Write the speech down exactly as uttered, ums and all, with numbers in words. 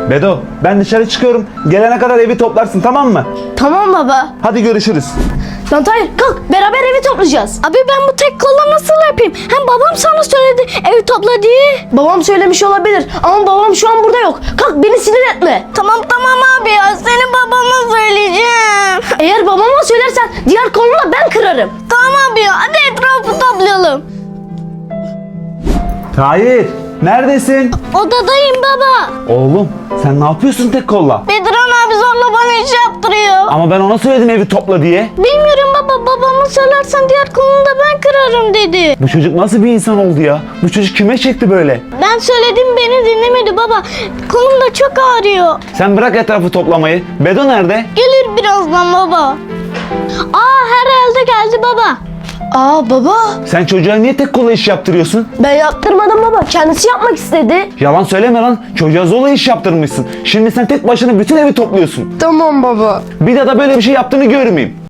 Bedo, ben dışarı çıkıyorum. Gelene kadar evi toplarsın, tamam mı? Tamam baba. Hadi görüşürüz. Lan Tahir kalk, beraber evi toplayacağız. Abi ben bu tek kolla nasıl yapayım? Hem babam sana söyledi evi topla diye. Babam söylemiş olabilir ama babam şu an burada yok. Kalk, beni sinir etme. Tamam tamam abi ya, seni babama söyleyeceğim. Eğer babama söylersen diğer kolunu ben kırarım. Tamam abi ya, hadi etrafı toplayalım. Tahir, neredesin? Odadayım baba. Oğlum, sen ne yapıyorsun tek kolla? Bedran abi zorla bana iş yaptırıyor. Ama ben ona söyledim evi topla diye. Bilmiyorum baba, babama söylersen diğer kolunu da ben kırarım dedi. Bu çocuk nasıl bir insan oldu ya? Bu çocuk kime çekti böyle? Ben söyledim, beni dinlemedi baba. Kolum da çok ağrıyor. Sen bırak etrafı toplamayı. Bedo nerede? Gelir birazdan baba. Aa, herhalde geldi baba. Aa baba. Sen çocuğa niye tek kolla iş yaptırıyorsun? Ben yaptırmadım baba. Kendisi yapmak istedi. Yalan söyleme lan. Çocuğa zorla iş yaptırmışsın. Şimdi sen tek başına bütün evi topluyorsun. Tamam baba. Bir daha da böyle bir şey yaptığını görmeyeyim.